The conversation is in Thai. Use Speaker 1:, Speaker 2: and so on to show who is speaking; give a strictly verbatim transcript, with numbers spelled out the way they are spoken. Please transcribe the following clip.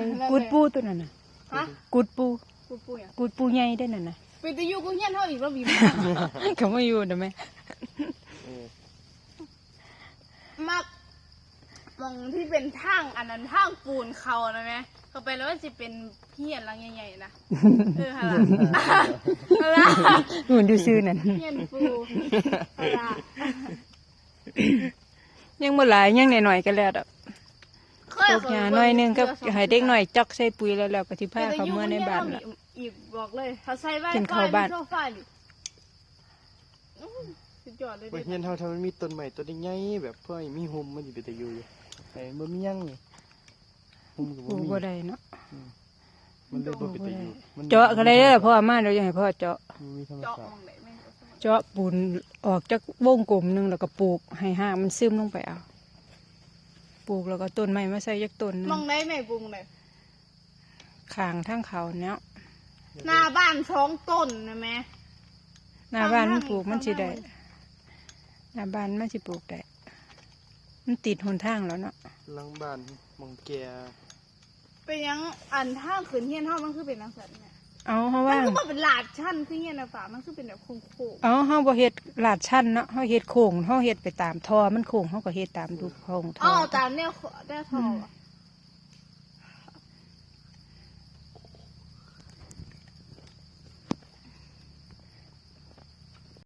Speaker 1: กูดปูตัวนั้นน่ะ
Speaker 2: ฮะ
Speaker 1: กูดปู
Speaker 2: กูปูอ่ะ
Speaker 1: กูดปูใหญ่ได้นั่นน่ะ
Speaker 2: ไปตะยูกูเฮียนเท่าอีกแล้วบีบ
Speaker 1: เขาไม่อยู่นะแม่
Speaker 2: มักมองที่เป็นทางอันนั้นทางปูนเขานะแม่เขาไปแล้วมันจะเป็นเฮียนหลังใหญ่ๆนะเออฮะล่ะฮะล่ะ
Speaker 1: หุ่นดูซื่อนั่น
Speaker 2: เฮียนปูฮะล่ะ
Speaker 1: ยังบ่หลายยังหน่อยๆก็แล้วดอก
Speaker 2: เค
Speaker 1: ปลูกหญ้าหน่อยหนึงก็ให้เด็กหน่อยจอกใส่ปุ๋ยแล้วแล้วก็สิพาเขาเมื่อในบ้านละ
Speaker 2: อีกบอกเลยถ้าใส่ไว้
Speaker 1: กินข้าวบ้าน
Speaker 2: โซฟาดิอื้อสุดยอดเลย
Speaker 3: บ่
Speaker 2: เด็ด
Speaker 3: เฮียนเฮาถ้ามันมีต้นใหม่ต้นใหญ่ๆแบบเพื่อให้มีห่มมันสิไปแต่อยู่อยู่ไอ้บ่มีหยังนี่ห่มก็
Speaker 1: ปลู
Speaker 3: บ่
Speaker 1: ก
Speaker 3: มี
Speaker 1: บ่ได้เนาะ
Speaker 3: มันเลยบ่ไปแต่อยู่มัน
Speaker 1: เจาะก็ได้เด้อพ่อมาเดี๋ยวจะให้พ่อเจาะ
Speaker 3: มันมีธรรม
Speaker 2: เจาะ
Speaker 3: ชาม ติ
Speaker 2: องไหนแม่ง
Speaker 1: เจาะปูนออกจากวงกลมหนึงแล้วก็ปลูกให้หางมันซึมลงไปเอาปลูกแล้วก็ต้นไม้มาใส่ยักต้นหนึง
Speaker 2: มองไหนแม่บุงเลย
Speaker 1: ข้างทางเขาเนาะ
Speaker 2: หน้าบ้านสองต้นนะแม่
Speaker 1: หน้าบ้านมันปลูก
Speaker 2: ข้างๆ
Speaker 1: มันสิได้
Speaker 2: ข้าง
Speaker 1: หน้าบ้านมันสิปลูกได้มันติดหนทางแล้วเนาะ
Speaker 3: หลังบ้านหมองแก่
Speaker 2: เป็นยังอันท่างขืนเฮียนเท่ามันคือเป็นนังสันเนี่ย
Speaker 1: เอาเฮา
Speaker 2: มัน
Speaker 1: ว่าง
Speaker 2: ก็มาเป็นหลาดชั้นคือเฮียนนะฝามันคือเป็นแบบโค้ง
Speaker 1: เอาเฮาบ่เฮ็ดลาดชั้นเนาะเฮาเฮ็ดโค้งเฮาเฮ็ดไปตามท่อมันโค้งเฮาก็เฮ็ดตามรูปโค้ง
Speaker 2: ๆ
Speaker 1: ท่
Speaker 2: อ๋
Speaker 1: อ
Speaker 2: อตามเนี่ยได้ทอ